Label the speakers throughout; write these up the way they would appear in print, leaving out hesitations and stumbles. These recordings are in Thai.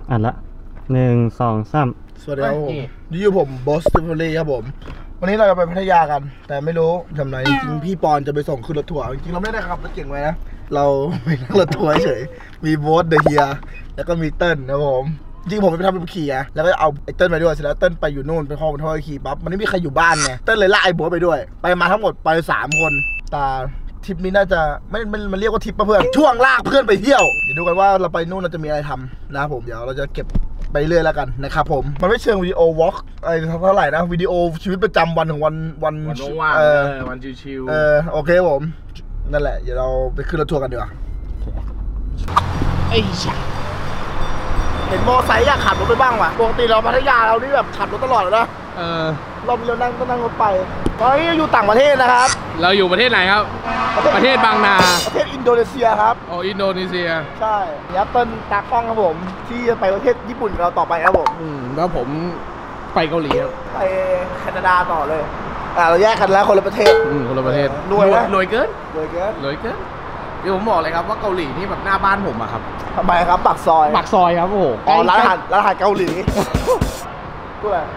Speaker 1: อ่านละ1 2 3
Speaker 2: สวัสดีครับผมนี่อยู่ผมบอสติฟลี่ครับผมวันนี้เราจะไปพัทยากันแต่ไม่รู้ทำไรจริงพี่ปอนจะไปส่งขึ้นรถทัวร์จริงเราไม่ได้ขับรถเก่งไว้นะเราไปนั่งรถทัวร์เฉยมีโบ๊ทเดอะเฮียแล้วก็มีเติ้ลนะผมจริงผมไปทำเป็นขี่อะแล้วก็เอาไอ้เติ้ลไปด้วยเสร็จแล้วเติ้ลไปอยู่นู่นไปห้องเป็นท่อขี่ปั๊บมันไม่มีใครอยู่บ้านไงเติ้ลเลยลากไอ้โบ๊ทไปด้วยไปมาทั้งหมดไป3 คนแต่ทริปนี้น่าจะไม่มันเรียกว่าทริปป่ะเพื่อนช่วงลากเพื่อนไปเที่ยวเดี๋ยวดูกันว่าเราไปนู่นเราจะมีอะไรทำนะผมเดี๋ยวเราจะเก็บไปเรื่อยแล้วกันนะครับผมมันไม่เชิงวิดีโอวอล์กอะไรเท่าไหร่นะวิดีโอชีวิตประจำวันของวัน
Speaker 3: ว่างวันชิว
Speaker 2: ๆโอเคผมนั่นแหละเดี๋ยวเราไปขึ้นรถทัวร์กันดีกว่าไอ้เห็นมอไซค์อยากขับรถไปบ้างว่ะปกติเราพัทยาเรานี่แบบขับรถตลอดเลยนะเรานั่งรถไปตอนนี้อยู่ต่างประเทศนะครับ
Speaker 3: เราอยู่ประเทศไหนครับประเทศบางนา
Speaker 2: ประเทศอินโดนีเซียครับ
Speaker 3: อ๋ออินโดนีเซีย
Speaker 2: ใช่ยับต้นตากล้องครับผมที่จะไปประเทศญี่ปุ่นเราต่อไปครับผม
Speaker 3: แล้วผมไปเกาหลีครับ
Speaker 2: ไปแคนาดาต่อเลยเราแยกกันแล้วคนละประเทศ
Speaker 3: คนละประเทศรวยเกินเดี๋ยวผมบอกเลยครับว่าเกาหลีนี่แบบหน้าบ้านผมอะครับ
Speaker 2: ทำไมครับปากซอย
Speaker 3: ครับโอ้โห
Speaker 2: ร้านอาหารเกาหลีพูดอะไร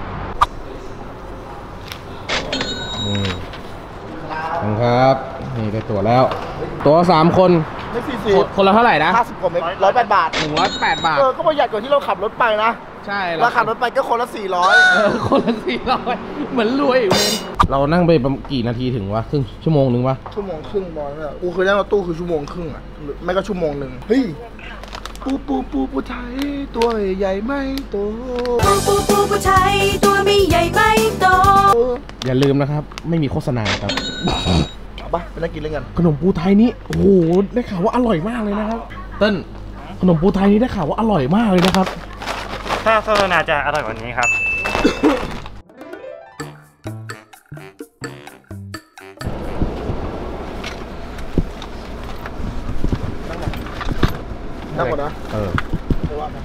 Speaker 3: ครับนี่ได้ตั๋วแล้วตั๋ว3 คน
Speaker 2: ไม่40
Speaker 3: คนละเท่าไหร่นะ
Speaker 2: 50 กว่าเมตร108 บาท
Speaker 3: 108 บาท
Speaker 2: ก็ประหยัดกว่าที่เราขับรถไปนะ
Speaker 3: ใช่
Speaker 2: เราขับรถไปก็คนละ400
Speaker 3: คนละ400เหมือนรวยอยู่เลยเรานั่งไปกี่นาทีถึงวะครึ่งชั่วโมงนึงวะ
Speaker 2: 1 ชั่วโมงครึ่งบอลเนี่ยกูเคยนั่งรถตู้คือ1 ชั่วโมงครึ่งอ่ะไม่ก็1 ชั่วโมงเฮ้ยปูไทยตัวใหญ่ไม่โต
Speaker 4: ปูไทยตัวไม่ใหญ่ไม่โต
Speaker 3: อย่าลืมนะครับไม่มีโฆษณาครับ
Speaker 2: เอาปะไปนั่งกินเล่นกัน
Speaker 3: ขนมปูไทยนี้โอ้โหได้ข่าวว่าอร่อยมากเลยนะครับเติ้ลขนมปูไทยนี้ได้ข่าวว่าอร่อยมากเลยนะครับ
Speaker 1: ถ้าโฆษณาจะอร่อยกว่านี้ครับ
Speaker 2: นั่งก่อนนะไม่ว่านะ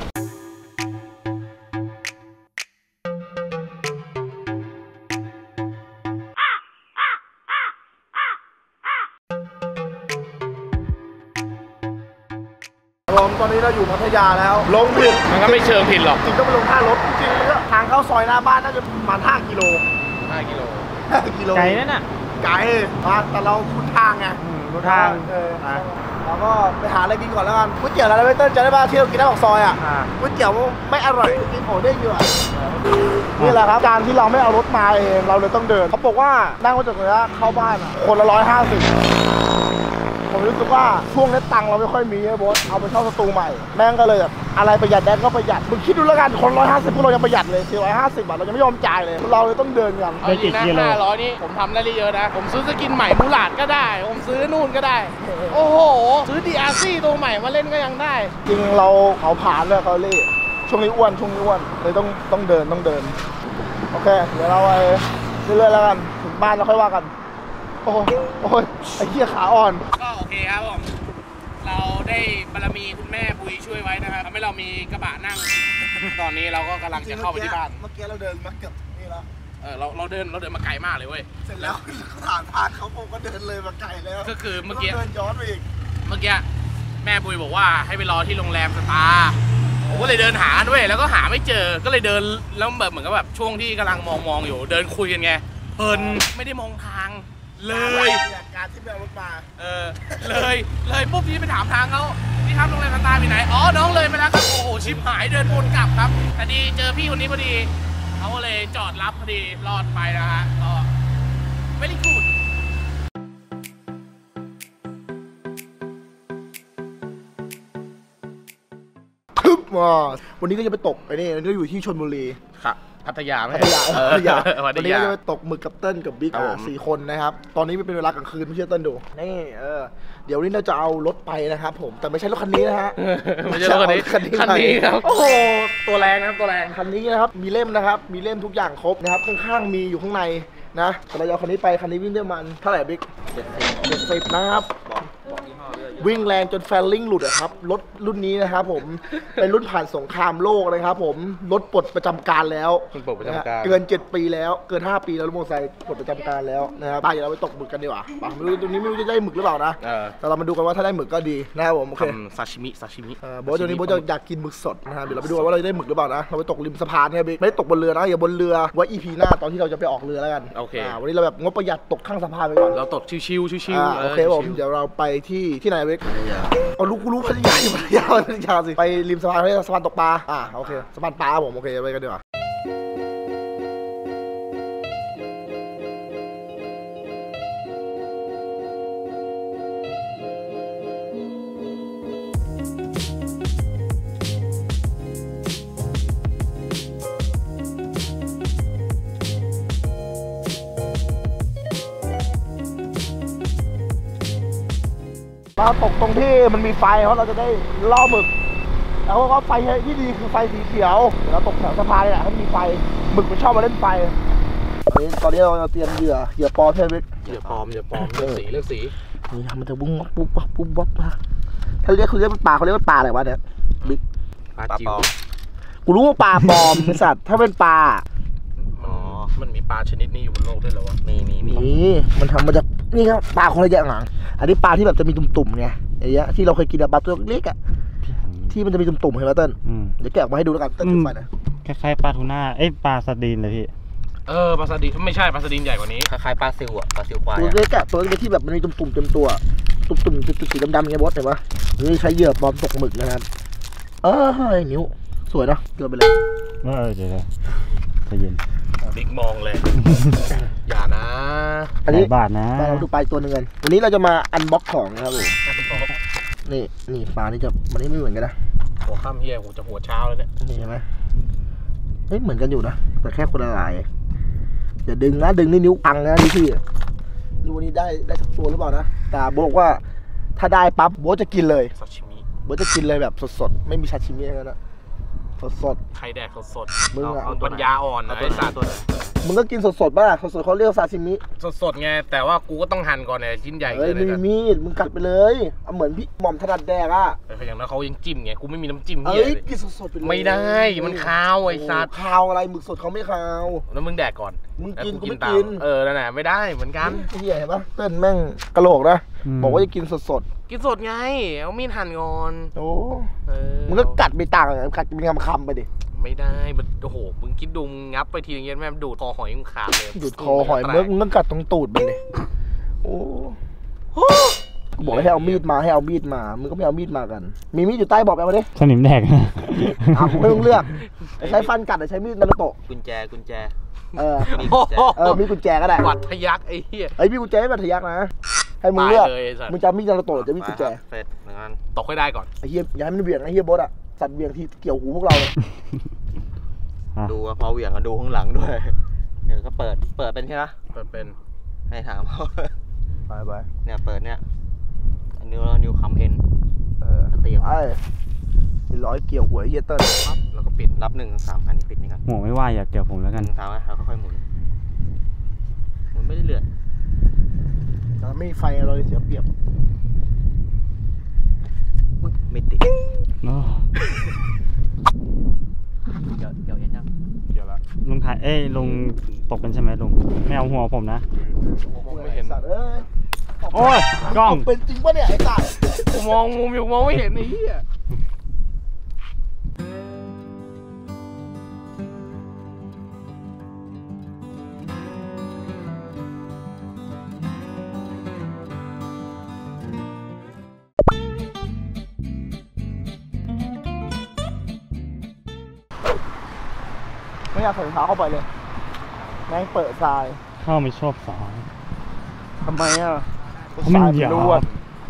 Speaker 2: ตอนนี้เราอยู่พัทยาแล้วลงผิด
Speaker 3: มันก็ไม่เชิงผิดหรอก
Speaker 2: จริงต้องไปลงท่ารถจริงๆทางเข้าซอยหน้าบ้านน่าจะประมาณ5 กิโล
Speaker 1: ไกลนั่นน่ะ
Speaker 2: ไกลแต่เราคุ้นทางไง
Speaker 1: รู้ทาง
Speaker 2: เราก็ไปหาอะไรกินก่อนแล้วกันก๋วยเตี๋ยวร้านเวเตอร์จะได้ป่ะที่เรากินหน้าปากซอยอ่ะก๋วยเตี๋ยวไม่อร่อยกินโอเด้งอยู่นี่แหละครับการที่เราไม่เอารถมาเองเราเลยต้องเดินเขาบอกว่านั่งรถจากตรงนี้เข้าบ้านคนละ150ผมรู้สึกว่าช่วงนี้ตังค์เราไม่ค่อยมีไอ้โบ๊ทเอาไปเช่าสตูใหม่แม่งก็เลยแบบอะไรประหยัดได้ก็ประหยัดมึงคิดดูแล้วกันคน150พวกเรายังประหยัดเลย450 บาทเรายังไม่ยอมจ่ายเลยเราเลยต้องเดินกัน
Speaker 3: เอาจริงนะ500นี่ผมทำได้เยอะนะผมซื้อสกินใหม่มูหลาดก็ได้ผมซื้อนู่นก็ได้โอ้โหซื้อDRCตัวใหม่มาเล่นก็ยังได้
Speaker 2: จริงเราเขาผ่านเลยเขาเล่ช่วงนี้อ้วนเลยต้องเดินโอเคเดี๋ยวเราไปเรื่อยๆแล้วกันถึงบ้านเราค่อยว่ากันโอ้ยไอ้เหี้ยขาอ่อน
Speaker 3: ก็โอเคครับผมเราได้บารมีคุณแม่ปุยช่วยไว้นะครับทำให้เรามีกระบะนั่งตอนนี้เราก็กำลังจะเข้าไปที่บ้าน
Speaker 2: เมื่อกี้เราเดินมาเกือบนี่แล้ว
Speaker 3: เราเดินมาไกลมากเลยเว้ย
Speaker 2: เสร็จแล้วผ่านเขาผมก็เดินเลยมาไกลแล้ว
Speaker 3: ก็คือเมื่อกี้
Speaker 2: เดินย้อนไปอีก
Speaker 3: เมื่อกี้แม่ปุยบอกว่าให้ไปรอที่โรงแรมสตาร์ผมก็เลยเดินหาด้วยแล้วก็หาไม่เจอก็เลยเดินแล้วแบบเหมือนกับแบบช่วงที่กำลังมองอยู่เดินคุยกันไงเพลินไม่ได้มองทางเลย
Speaker 2: การที่เอารถมา
Speaker 3: เลยปุ๊บพี่ไปถามทางเขาพี่ครับโรงแรมสตาร์อยู่ไหนอ๋อน้องเลยไปแล้วครับโอ้โหชิบหายเดินวนกลับครับแต่ดีเจอพี่คนนี้พอดีเขาก็เลยจอดรับพอดีรอดไปนะฮะก็ไม่ได้กูด
Speaker 2: วันนี้ก็จะไปตกไปนี่ก็อยู่ที่ชลบุรี
Speaker 3: ครับพัทยา
Speaker 2: วันนี้ก็จะไปตกหมึกกับเติ้ลกับบิ๊ก4 คนนะครับตอนนี้เป็นเวลากลางคืนไม่เชื่อเติ้ลดูนี่เดี๋ยวนี้เราจะเอารถไปนะครับผมแต่ไม่ใช่รถคันนี้นะฮะ
Speaker 3: ไม่ใช่รถคันนี้ครับ
Speaker 2: โอ้โหตัวแรงนะครับคันนี้นะครับมีเล่มนะครับมีเล่มทุกอย่างครบนะครับข้างๆมีอยู่ข้างในนะแต่เราเอาคันนี้ไปคันนี้วิ่งได้มันเท่าไหร่บิ๊ก70นะครับบอกยี่ห้อด้วยวิ่งแรงจนแฟลลิ่งหลุดอะครับรถรุ่นนี้นะครับผมเป็นรุ่นผ่านสงครามโลกนะครับผมรถปลดประจำการแล้วเกิน7 ปีแล้วเกิน5 ปีแล้วรถมอเตอร์ไซค์ปลดประจำการแล้วนะครับเดี๋ยวเราไปตกหมึกกันดีกว่าไม่รู้ตรงนี้ไม่รู้จะได้หมึกหรือเปล่านะแต่เรามาดูกันว่าถ้าได้หมึกก็ดีนะครับผมโอเค
Speaker 3: ซาชิมิ
Speaker 2: โบ๊ทตัวนี้โบ๊ทจะอยากกินหมึกสดนะครับเดี๋ยวเราไปดูว่าเราจะได้หมึกหรือเปล่านะเราไปตกริมสะพานเนี่ยไม่ได้ตกบนเรือนะอย่าบนเรือไว้ EP หน้าตอนที่เราจะไปออกเรือแล้วกัน
Speaker 3: โอเค
Speaker 2: วันนี้เราแบบงบประหยัดตกข้างสะพานไปก่อน
Speaker 3: เราตกชิว
Speaker 2: โอเคผมเดี๋ยวเราไปที่ไหนเว้ยเอารู้พัทยาอยู่พัทยาสิไปริมสะพานสะพานตกปลาโอเคสะพานปลาผมโอเคไปกันดีกว่าเราตกตรงที่มันมีไฟเพราะเราจะได้ล่อหมึกแล้วก็ไฟที่ดีคือไฟสีเขียวเดี๋ยวเราตกแถวสะพานนี่แหละให้มีไฟหมึกมันชอบมาเล่นไฟตอนนี้เราเตรียมเหยื่อปลอมใช่ไหม
Speaker 3: เหยื่อปลอมเลือกสี
Speaker 2: นี่มันจะบุ้งปุ๊บถ้าเรียกคือเรียกเป็นปลาเขาเรียกว่าปลาอะไรวะเนี่ยบิ๊ก
Speaker 3: ปลาจิ๋ว
Speaker 2: กูรู้ว่าปลาปลอมเป็นสัตว์ถ้าเป็นปลา
Speaker 3: มันมีปลาชนิดนี้อยู่บนโลกด้วยเหรอวะ
Speaker 2: มีมันทำมาจากนี่ครับปลาคนละอย่างอันนี้ปลาที่แบบจะมีตุ่มๆไงอย่างเงี้ยที่เราเคยกินแบบปลาตัวเล็กที่มันจะมีตุ่มๆเห็นไหมเติ้ลเดี๋ยวแกะออกมาให้ดูแล้วกันเติ้ลจุดไฟนะ
Speaker 1: คล้ายๆปลาทูน่าปลาสดีนเลยพี่
Speaker 3: ปลาสดีนไม่ใช่ปลาสดีนใหญ่กว่านี้
Speaker 5: คล้ายๆปลาซิวปลาซิวควาย
Speaker 2: ตัวเล็กตัวเล็กที่แบบมันมีตุ่มๆเต็มตัวตุ่มๆสีดำๆไงบอสเห็นปะนี่ใช้เหยื่อปลอมตกหมึกนะครับนิ้วสวยเนาะเกินไปเลย
Speaker 1: เดี๋ยวใจเย็น
Speaker 3: บิ๊กมองเลยอย่านะ
Speaker 2: อันนี้
Speaker 1: บาทนะ
Speaker 2: เราดูปลาตัวนึงกันวันนี้เราจะมาอันบ็อกของนะครับผมนี่ปลานี่จะมันไม่เหมือนกันนะ
Speaker 3: หัวค่ำเฮียกูจะหัวเช้าแล้วเนี่ย
Speaker 2: นี่เห็นไหมเหมือนกันอยู่นะแต่แค่คนละลายอย่าดึงนะดึงนี่นิ้วพังนะพี่ดูวันนี้ได้สักตัวหรือเปล่านะแต่บอกว่าถ้าได้ปั๊บโบ๊ทจะกินเลย
Speaker 3: ซาชิมิ
Speaker 2: โบ๊ทจะกินเลยแบบสดๆไม่มีซาชิมิอะไรนะสด
Speaker 3: ใครแดกสด
Speaker 2: มึงอะ
Speaker 3: ปัญญาอ่อนนะไอ้สัตว์
Speaker 2: มึงก็กินสดๆป่ะสดๆเขาเรียกซาชิมิ
Speaker 3: สดไงแต่ว่ากูก็ต้องหั่นก่อนเนี่ยชิ้นใหญ่
Speaker 2: เลยไม่มีมึงกัดไปเลยเหมือนพี่หม่อมถนัดแดก
Speaker 3: อย่างนั้นเขายังจิ้มไงกูไม่มีน้ำจิ้ม
Speaker 2: กินสดๆไปเลย
Speaker 3: ไม่ได้มันคาวไอ้สัตว์
Speaker 2: คาวอะไรหมึกสดเขาไม่คาว
Speaker 3: แล้วมึงแดกก่อน
Speaker 2: มึงกินกูไม่กิน
Speaker 3: นั่นแหละไม่ได้เหมือนกัน
Speaker 2: เหี้ยเห็นปะเต้นแม่งกระโหลกนะบอกว่าจะกินสด
Speaker 3: กินสดไงเอามีดหั่นก่อน
Speaker 2: มึงก็กัดไปต่างกัดเป็นคำไปดิ
Speaker 3: ไม่ได้โอ้โหมึงคิดดูมึงงับไปทีนึงแม่ดูดคอหอยมึงขาดเลย
Speaker 2: ดูดคอหอยมึงต้องกัดตรงตูดมันเลยโอ้บอกให้เอามีดมามึงก็ไม่เอามีดมากันมีมีดอยู่ใต้บอกไปมาดิ
Speaker 1: สนิมแดก
Speaker 2: กูไม่ต้องเลือกใช้ฟันกัดหรือใช้มีดนารูโตะ
Speaker 5: กุญแจ
Speaker 2: มีกุญแจก็ได้
Speaker 3: บัตรทะยักไอ้เหี้ย
Speaker 2: มีกุญแจไม่บัตรทะยักนะให้มึงเลือกมึงจะมีดนารูโตะหรือจะมีกุญแจ
Speaker 5: เสร็จเหมือนกัน
Speaker 3: ตกให้ได้ก่อน
Speaker 2: ไอ้เหี้ยอย่าให้มันเบี่ยงไอ้เหี้ยบอสสัตว์เบี่ยงที่เกี่ยวหูพวกเราเลย
Speaker 5: ดูพอเบี่ยงก็ดูข้างหลังด้วยเดี๋ยวก็เปิดเป็นใช่ไหม
Speaker 3: เปิดเป็น
Speaker 5: ให้ถามเขา
Speaker 2: ไป
Speaker 5: เนี่ยเปิดเนี่ยนิ้วคำเอ็นตี
Speaker 2: ไอ้ร้อยเกี่ยวหัวเฮียเติ้ล
Speaker 5: แล้วก็ปิดรับ1 3 อันนี้ปิดนี่กัน
Speaker 1: หัวไม่ว่าอย่าเกี่ยวผมแล้วกัน
Speaker 5: 3แล้วค่อยๆหมุนไม่ได้เลือด
Speaker 2: แต่ไม่ไฟเราเสียเปรียบ
Speaker 5: ไม่ติดเกี่ยวเอ็นยัง
Speaker 3: เกี่ยวละ
Speaker 1: ลุงถ่ายลุงตกเป็นใช่ไหมลุงไม่เอาหัวผมนะ
Speaker 3: ไม่เห็น
Speaker 1: โอ้ยกล้อง
Speaker 2: เป็นจริงปะเนี่ยไอ้สัตว์
Speaker 3: มองมุมอยู่มองไม่เห็นไอ้เหี้ย
Speaker 2: ไม่อยากใส่รองเท้าเข้าไปเลยแม่งเปิดทราย
Speaker 1: ข้าไม่ชอบสาย
Speaker 2: ทำไม
Speaker 1: เพราะมันหยาบล้วน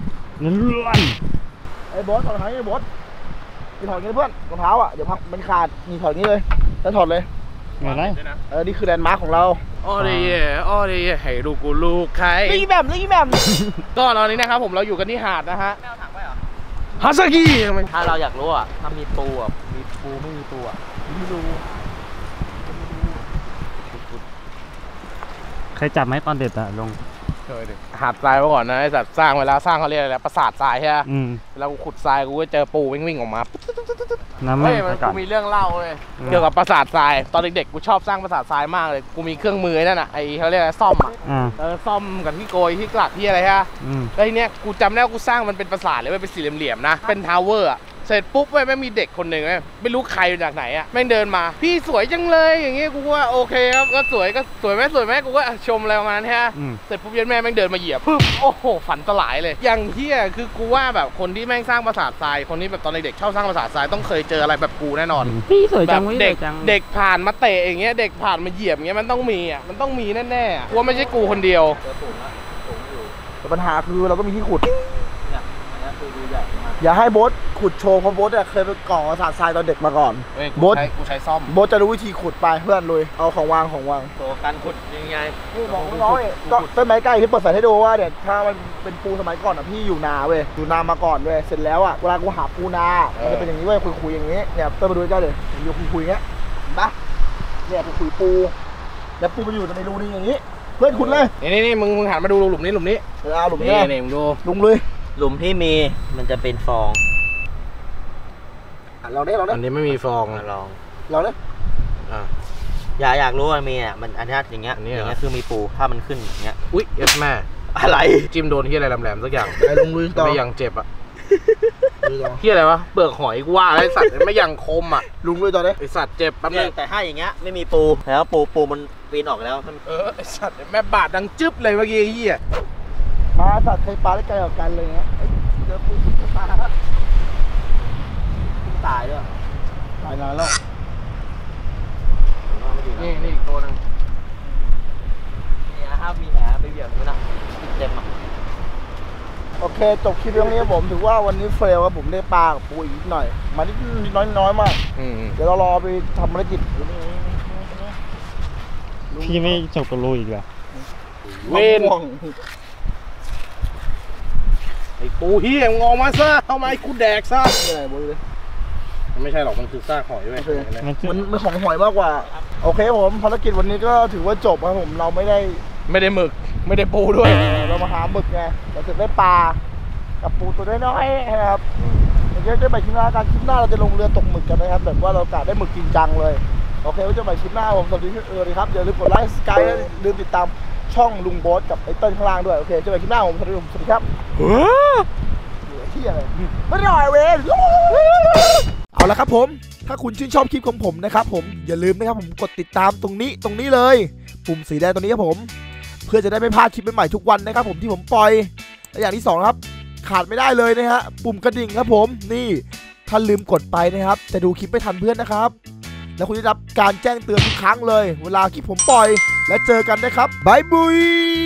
Speaker 2: ไอ้บอสถอดรองเท้าไอ้บอสมีถอดงี้เพื่อนรองเท้าเดี๋ยวพังมันขาดมีถอดงี้เลยแล้วถอดเลย
Speaker 1: ไงไร
Speaker 2: นี่คือแลนด์มาร์คของเรา
Speaker 3: อ้อเดียให้ลูกใคร
Speaker 2: ลี่แหม่ม
Speaker 3: ก็ตอนนี้นะครับผมเราอยู่กันที่หาดนะฮะฮาซากิ
Speaker 5: ถ้าเราอยากรู้ถ้ามีปูมีปูไม่มีปู
Speaker 2: ไม่รู้
Speaker 1: ใครจับไหมตอนเด็ดลง
Speaker 3: เคยดิหาดทรายมาก่อนนะไอ้สัตว์สร้างเวลาสร้างเขาเรียกอะไรนะปราสาททรายใช่ไหม เวลากูขุดทรายกูก็เจอปูวิ่งออกมา
Speaker 1: น้ำ
Speaker 3: เฮ้ย
Speaker 1: มั
Speaker 3: มัน น
Speaker 1: กั
Speaker 3: กู
Speaker 1: ด
Speaker 3: มีเรื่องเล่าเลยเกี่ยวกับปราสาททรายตอนเด็กๆกูชอบสร้างปราสาททรายมากเลยกูมีเครื่องมือนั่นน่ะไอ้เขาเรียกอะไรซ่อมซ่อมกับที่โกยที่กลักที่อะไรฮะแล้วทีเนี้ยกูจำได้ว่ากูสร้างมันเป็นปราสาทเลยเป็นสี่เหลี่ยมๆนะเป็นทาวเวอร์อะเสร็จปุ๊บแม่งมีเด็กคนหนึ่งไม่รู้ใครจากไหนอ่ะแม่งเดินมาพี่สวยจังเลยอย่างเงี้ยกูว่าโอเคครับก็สวยไหมกูก็ชมอะไรประมาณนั้นฮะเสร็จปุ๊บยันแม่แม่งเดินมาเหยียบปึ๊บโอ้โหฝันสลายเลยอย่างเฮียคือกูว่าแบบคนที่แม่งสร้างปราสาททรายคนที่แบบตอนเด็กๆชอบสร้างปราสาททรายต้องเคยเจออะไรแบบกูแน่นอน
Speaker 1: พี่สวยจัง
Speaker 3: เด็กผ่านมาเตะอย่างเงี้ยเด็กผ่านมาเหยียบอย่างเงี้ยมันต้องมีอ่ะมันต้องมีแน่ๆว่าไม่ใช่กูคนเดียว
Speaker 2: แต่ปัญหาคือเราก็มีที่ขุดอย่าให้โบ๊ทขุดโชว์เพราะโบ๊ทเคยไปก่อปราสาททรายตอนเด็กมาก่อน
Speaker 3: โบ๊ทกูใช้ซ่อม
Speaker 2: โบ๊ทจะรู้วิธีขุดไปเพื่อนลุยเอาของวาง
Speaker 5: ตัวการขุดยังไง
Speaker 2: นี่บอกน้อยก็ต้นไม้ใกล้ที่เปิดสายให้ดูว่าเดี๋ยวถ้ามันเป็นปูสมัยก่อนอ่ะพี่อยู่นาเว้ยอยู่นามาก่อนเว้ยเสร็จแล้วอ่ะเวลากูหาปูนามันจะเป็นอย่างนี้เว้ยคุยอย่างนี้เนี่ยต้นมาดูใกล้เลยอยู่คุยอย่างเงี้ยเห็นปะเนี่ยคุยปูแล้วปูมันอยู่ในรูนี้อย่างนี้เพื่อนขุดเลย
Speaker 3: นี่มึงหันมาดูหลุมนี้
Speaker 2: เอาหลุมนี้
Speaker 3: มึงดู
Speaker 2: ลุงเลย
Speaker 5: หลุมที่มีมันจะเป็นฟอง
Speaker 2: เราได้
Speaker 3: อันนี้ไม่มีฟอง
Speaker 5: ลอง
Speaker 2: เราได้
Speaker 5: อยากรู้ว่ามีอ่ะมันอันนี้อย่างเงี้ยคือมีปูถ้ามันขึ้นอย่างเงี้ย
Speaker 3: อุ๊ยเอสแม่
Speaker 5: อะไร
Speaker 3: จิ้มโดนที่อะไรแหลมๆสักอย่าง
Speaker 2: ไอ้ลุงลุยต่อ
Speaker 3: ไม่ยังเจ็บอ่ะที่อะไรวะเปลือกหอยกูว่าไอ้สัตว์ไม่ยังคมอ่ะ
Speaker 2: ลุงลุยต่อเลย
Speaker 3: ไอ้สัตว์เจ็บแป๊บนึง
Speaker 5: แต่ถ้าอย่างเงี้ยไม่มีปูแล้วปูมันปีนออกแล้ว
Speaker 3: ไอ้สัตว์แม่บาดดังจึ๊บเลยเมื่อกี้เหี้ย
Speaker 2: มาสัตว์เคยปลาได้ไกลกว่ากันเลยเงี้ยเจอปูปลาตายด้วยตายนานแล้ว
Speaker 3: นี่อีกตัวนึง
Speaker 5: นี่ครับมีแผลไปเหยียบนู้นนะเจ็บอ่ะ
Speaker 2: โอเคจบคลิปเรื่องนี้ผมถือว่าวันนี้เฟลครับผมได้ปลากับปูอีกหน่อยมานิดน้อยมากเดี๋ยวเรารอไปทำภารกิจ
Speaker 1: พี่ไม่จบกับลุยอีกเหรอ
Speaker 3: เวนไอ้ปูเฮียงอมาซะเอาไม้กูแดกซะ
Speaker 2: อะไรบุ้ยเลย
Speaker 3: ไม่ใช่หรอกมันคือซากหอยเว้ย
Speaker 2: มันของหอยมากกว่าโอเคผมภารกิจวันนี้ก็ถือว่าจบครับผมเราไม่ได้
Speaker 3: หมึกไม่ได้ปูด้วย
Speaker 2: เรามาหาหมึกไงเราจะได้ปลากับปูตัวน้อยๆนะครับเดี๋ยวจะไปคลิปหน้าการคลิปหน้าเราจะลงเรือตกหมึกกันนะครับแบบว่าเรากะได้หมึกจริงจังเลยโอเคไว้เจอกันใหม่คลิปหน้าผมสวัสดีครับอย่าลืมกดไลค์สกายและลืมติดตามช่องลุงโบ๊ทกับไอ้เติ้ลข้างล่างด้วยโอเคเจอกันคลิปหน้าผมสวัสดีครับที่อะไรไม่ได้เว้ยเอาละครับผมถ้าคุณชื่นชอบคลิปของผมนะครับผมอย่าลืมนะครับผมกดติดตามตรงนี้เลยปุ่มสีแดงตรงนี้ครับผมเพื่อจะได้ไม่พลาดคลิปใหม่ๆทุกวันนะครับผมที่ผมปล่อยและอย่างที่2ครับขาดไม่ได้เลยนะฮะปุ่มกระดิ่งครับผมนี่ถ้าลืมกดไปนะครับจะดูคลิปไม่ทันเพื่อนนะครับแล้วคุณจะได้รับการแจ้งเตือนทุกครั้งเลยเวลาคลิปผมปล่อยและเจอกันนะครับบายบุย